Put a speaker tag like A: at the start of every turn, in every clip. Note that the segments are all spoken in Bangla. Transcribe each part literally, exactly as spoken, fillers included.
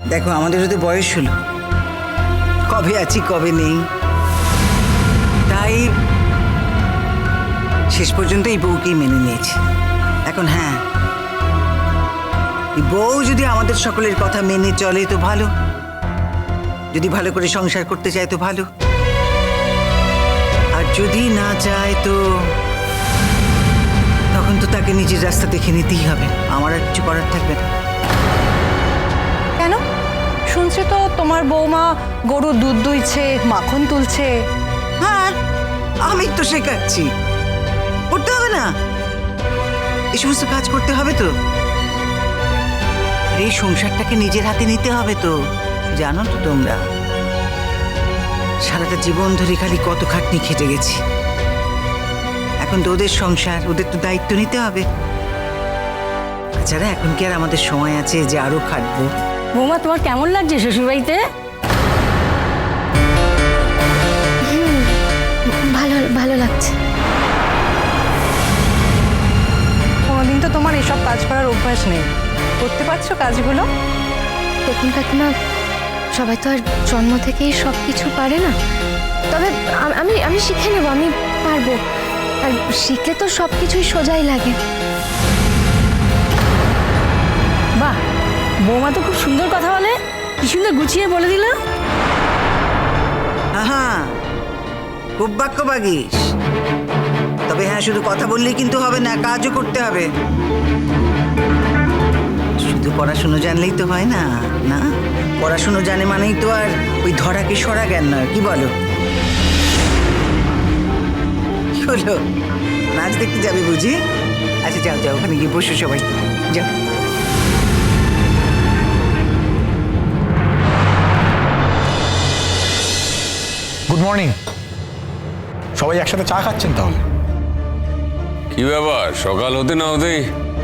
A: দেখো আমাদেরও তো বয়স হলো, কবে আছি কবে নেই, তাই শেষ পর্যন্ত এই বউকেই মেনে নিয়েছি। এখন হ্যাঁ, এই বউ যদি আমাদের সকলের কথা মেনে চলে তো ভালো, যদি ভালো করে সংসার করতে চায় তো ভালো, আর যদি না চায় তো তখন তো তাকে নিজের রাস্তা দেখে নিতেই হবে, আমার আর কিছু করার থাকবে না।
B: কেন? শুনছি তো তোমার বৌমা গরুর দুধ দুইছে, মাখন তুলছে।
A: হ্যাঁ, আমি তো শেখাচ্ছি, করতে হবে না? এই সমস্ত কাজ করতে হবে তো, এই সংসারটাকে নিজের হাতে নিতে হবে তো। জানো তো তোমরা, সারাটা জীবন ধরে খালি কত খাটনি খেটে গেছি, এখন তো ওদের সংসার, ওদের তো দায়িত্ব নিতে হবে। তাছাড়া এখন কি আর আমাদের সময় আছে যে আরো খাটবো?
C: বৌমা তোমার কেমন লাগছে শ্বশুরবাড়িতে?
D: ভালো ভালো লাগছে।
B: কোনোদিন তো তোমার এসব কাজ করার অভ্যাস নেই, করতে পারছো কাজগুলো?
D: দেখুন কাকিমা, সবাই তো আর জন্ম থেকেই সব কিছু পারে না, তবে আম- আমি আমি শিখে নেব, আমি পারবো। আর শিখলে তো সব কিছুই সোজাই লাগে।
C: বাহ, বৌমা তো খুব সুন্দর কথা বলে, কি সুন্দর গুছিয়ে বলে দিল।
A: হ্যাঁ, খুব বাক্য বাগিস, তবে হ্যাঁ শুধু কথা বললেই কিন্তু হবে না, কাজও করতে হবে। শুধু পড়াশুনো জানলেই তো হয় না, না পড়াশুনো জানে মানেই তো আর ওই ধরাকে সরা জ্ঞান নয়, কি বলো? কি হলো, নাচ দেখতে যাবে বুঝি? আচ্ছা যাও যাও, ওখানে গিয়ে বসো সবাই, যাও।
E: Good morning. সবাই একসাথে চা খাচ্ছেন তাহলে?
F: কি ব্যাপার, সকাল হতে না হতেই?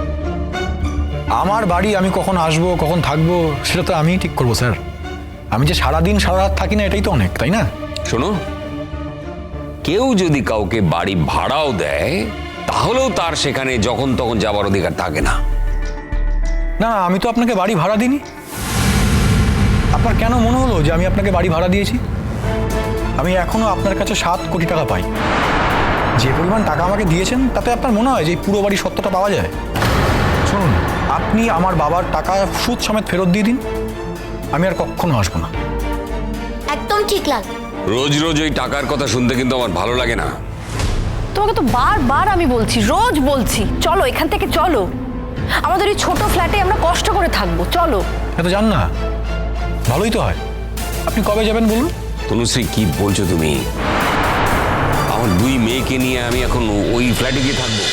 E: আমার বাড়ি, আমি কখন আসবো কখন থাকবো সেটা তো আমিই ঠিক করবো স্যার। আমি যে সারাদিন সারা রাত থাকি না, এটাই তো অনেক, তাই না?
F: শোনো, কেউ যদি কাউকে বাড়ি ভাড়াও দেয় তাহলেও তার সেখানে যখন তখন যাবার অধিকার থাকে না।
E: না আমি তো আপনাকে বাড়ি ভাড়া দিইনি। আপনার কেন মনে হলো যে আমি আপনাকে বাড়ি ভাড়া দিয়েছি? আমি এখনো আপনার কাছে সাত কোটি টাকা পাই। যে পরিমাণ টাকা আমাকে দিয়েছেন তাতে আপনার মনে হয় যে এই পুরো বাড়ির সত্যটা পাওয়া যায়? শুনুন, আপনি আমার বাবার টাকা সুদ সমেত ফেরত দিয়ে দিন, আমি আর কখনো আসবো না।
D: একদম ঠিক লাল।
F: রোজ রোজ ওই টাকার কথা শুনতে কিন্তু আমার ভালো লাগে না।
C: তোমাকে তো বারবার আমি বলছি, রোজ বলছি, চলো এখান থেকে চলো, আমাদের এই ছোট ফ্ল্যাটে আমরা কষ্ট করে থাকবো, চলো।
E: এত জান না, ভালোই তো হয়। আপনি কবে যাবেন বলুন?
F: তনুশ্রী, কি বলছো তুমি? আমার দুই মেয়েকে নিয়ে আমি এখন ওই ফ্ল্যাটে গিয়ে থাকবো?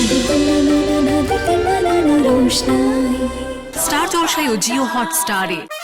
G: স্টার জলসায় ও জিও হটস্টারে